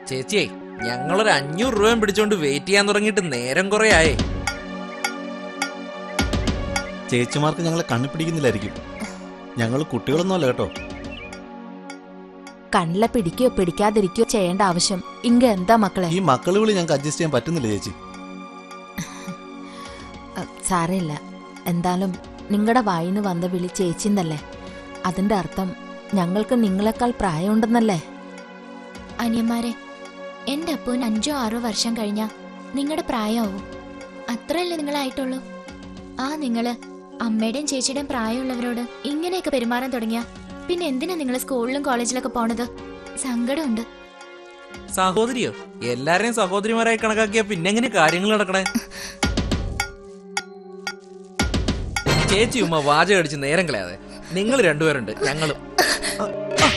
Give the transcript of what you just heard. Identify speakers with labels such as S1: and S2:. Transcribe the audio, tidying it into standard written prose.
S1: ചേച്ചിയെ ഞങ്ങളൊരു 500 രൂപയും പിടിച്ചോണ്ട് വെയിറ്റ് ചെയ്യാൻ തുടങ്ങിയിട്ട് നേരം കുറെ ആയേ.
S2: ചേച്ചിമാർക്ക് ഞങ്ങളെ കണ്ണു പിടിക്കുന്നില്ലായിരിക്കും. ഞങ്ങൾ കുട്ടികളൊന്നുമല്ല കേട്ടോ.
S3: കണ്ണിലെ പിടിക്കോ പിടിക്കാതിരിക്കോ ചെയ്യേണ്ട ആവശ്യം ഇങ്ങ എന്താ മക്കളെ?
S2: ഈ മക്കളെ വിളി ഞങ്ങൾക്ക് അഡ്ജസ്റ്റ് ചെയ്യാൻ പറ്റുന്നില്ല ചേച്ചി.
S3: സാരമില്ല. എന്തായാലും നിങ്ങളുടെ വായിന്ന് വന്ന വിളി ചേച്ചിന്നല്ലേ. അതിന്റെ അർത്ഥം ഞങ്ങൾക്ക് നിങ്ങളെക്കാൾ പ്രായമുണ്ടെന്നല്ലേ.
S4: അനിയന്മാരെ, എന്റെ അപ്പൂന് 5-6 വർഷം കഴിഞ്ഞാ നിങ്ങളുടെ പ്രായമാവും. അത്രയല്ലേ നിങ്ങളായിട്ടുള്ളൂ. നിങ്ങള് അമ്മയുടെയും ചേച്ചിയുടെയും പ്രായമുള്ളവരോട് ഇങ്ങനെയൊക്കെ പെരുമാറാൻ തുടങ്ങിയ പിന്നെ എന്തിനാ നിങ്ങൾ സ്കൂളിലും കോളേജിലൊക്കെ പോണത്? സങ്കടമുണ്ട്.
S1: സഹോദരിയോ? എല്ലാരെയും സഹോദരിമാരായി കണക്കാക്കിയാ പിന്നെ എങ്ങനെ കാര്യങ്ങൾ നടക്കണേ? ചേച്ചി ഉമ്മ വാചകം അടിച്ച് നേരം കളയാതെ. നിങ്ങൾ രണ്ടുപേരുണ്ട്, ഞങ്ങളും.